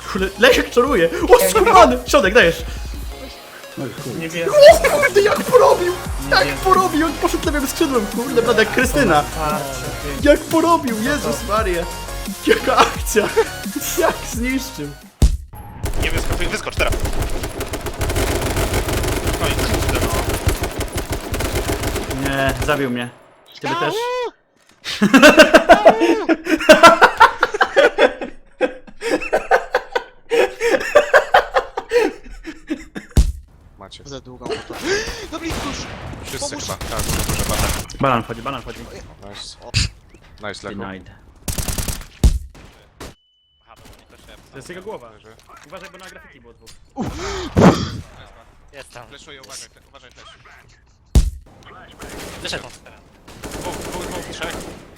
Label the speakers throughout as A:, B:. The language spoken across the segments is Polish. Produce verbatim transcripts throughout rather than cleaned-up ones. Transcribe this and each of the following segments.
A: Kurde, Leszek czaruje! O, skurwany! Środek, dajesz!
B: Nie wiem.
A: O kurde, jak porobił! Jak porobił! On poszedł lewym skrzydłem, kurde, prawda, jak Krystyna! Jak porobił! Jezus Maria! Jaka akcja! Jak zniszczył!
C: Nie wyskocz, wyskocz teraz. No i kurde no.
A: Nie, zabił mnie. Ciebie też.
D: Macie.
E: Za długą to. No blisko już!
D: Wszyscy
E: Pomóż.
D: chyba. Tak, dużo bata.
A: Banan wchodzi, banan wchodzi.
D: Nice. Nice, Lego.
A: Denied. To jest jego głowa. Uważaj, bo na grafiki było dwóch.
C: Jest tam.
D: Fleszuję, uważaj, te- uważaj też.
C: Wyszedł.
D: Dwóch, dwóch, dwóch, trzech.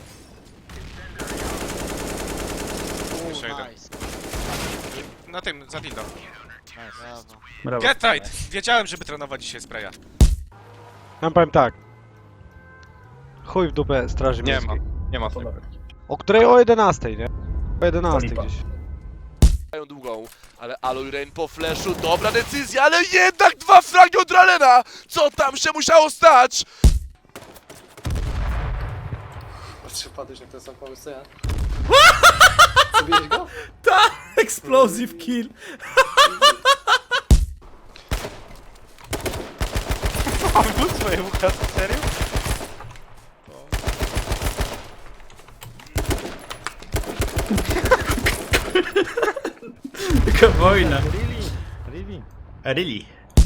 D: Jeszcze jeden.
E: Nice.
D: Na tym, za dildo.
E: Brawo.
A: Brawo.
D: Get right! Wiedziałem, żeby trenować dzisiaj spraya.
F: Ja powiem tak. Chuj w dupę straży
D: Nie
F: miejskiej.
D: ma, nie ma tego.
F: O której? O jedenastej, nie? O jedenastej
B: Lipa.
F: gdzieś.
G: Mają długą, ale Aloy Rain po flashu, dobra decyzja, ale jednak dwa fragi od Ralena! Co tam się musiało stać?
H: Patrzcie, padłeś na ten sam pomysł co ja. Zabiłeś go?
A: Explosive kill!
C: Mam swoje ucha, serio?
A: Taka wojna. Really?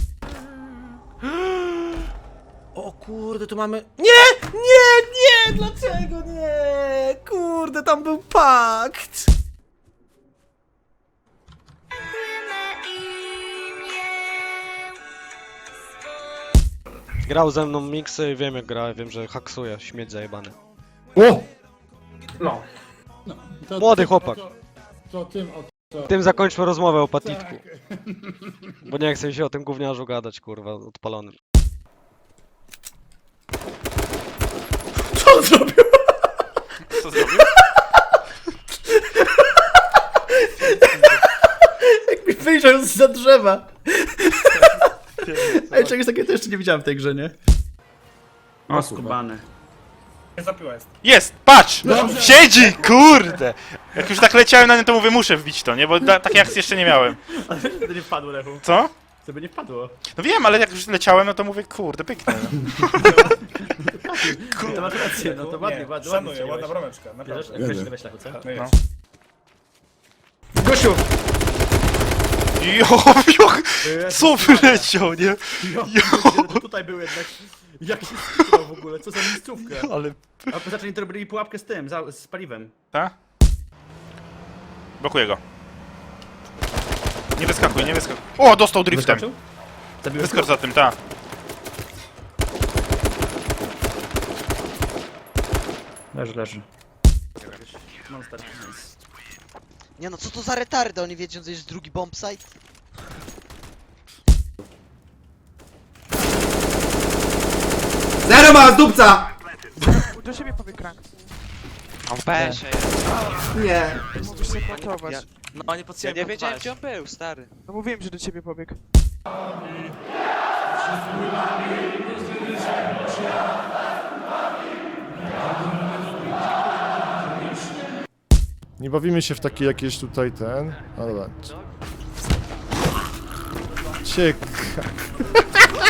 A: O kurde, tu mamy... Nie! Nie! Nie! Dlaczego nie? Kurde, tam był pakt!
F: Grał ze mną miksy i wiem jak gra, wiem, że haksuje, śmieć zajebany.
B: O! No.
I: To,
F: Młody chłopak.
I: To, to tym, o, to.
F: Tym zakończmy rozmowę o patitku.
I: Tak.
F: Bo nie chcę się o tym gówniarzu gadać, kurwa, odpalonym.
A: Co on zrobił?
C: Co zrobił?
A: Jak mi wyjrzał zza drzewa. Ej, czegoś takiego to jeszcze nie widziałem w tej grze, nie? O, skubany.
B: Nie zapiła jest.
C: Jest! Patrz! Siedzi! Kurde! Jak już tak leciałem na nie, to mówię, muszę wbić to, nie? Bo da, takiej akcji jeszcze nie miałem.
A: Ale to nie wpadło, Lechu.
C: Co?
A: To by nie wpadło.
C: No wiem, ale jak już leciałem, no to mówię, kurde, pyknę.
A: To masz rację, no to ładnie,
B: Nie,
A: ładnie.
B: szanuję, ładna brameczka,
A: Wiesz?
B: naprawdę.
A: Weź, weź Lechu, co?
B: No
C: No.
B: jest.
A: Gosiu!
C: Jo, jo, co wyleciał, nie?
A: Jo, to tutaj był jednak. Jak się skupiał w ogóle? Co za miejscówkę?
C: Ale...
A: A poza tym to robili pułapkę z tym, za, z paliwem.
C: Ta? Blokuję go. Nie wyskakuj, nie wyskakuj. O, dostał driftem.
A: Wyskoczył? Zabiłeś
C: Wyskocz
A: go?
C: za tym, ta.
A: Leży, leży. Monster.
E: Nie no, co to za retardy? Oni wiedzą, że jest drugi bombsite?
H: Zero ma z dupca!
J: Do siebie pobiegł rank.
E: On pesze.
H: Nie.
J: Mógłbyś się kontować.
E: Ja-
G: No nie
E: Ja nie wiedziałem gdzie on był, stary.
J: No mówiłem, że do ciebie pobiegł.
I: Nie bawimy się w takie jakieś tutaj ten. Ale dobra. Ciekawe.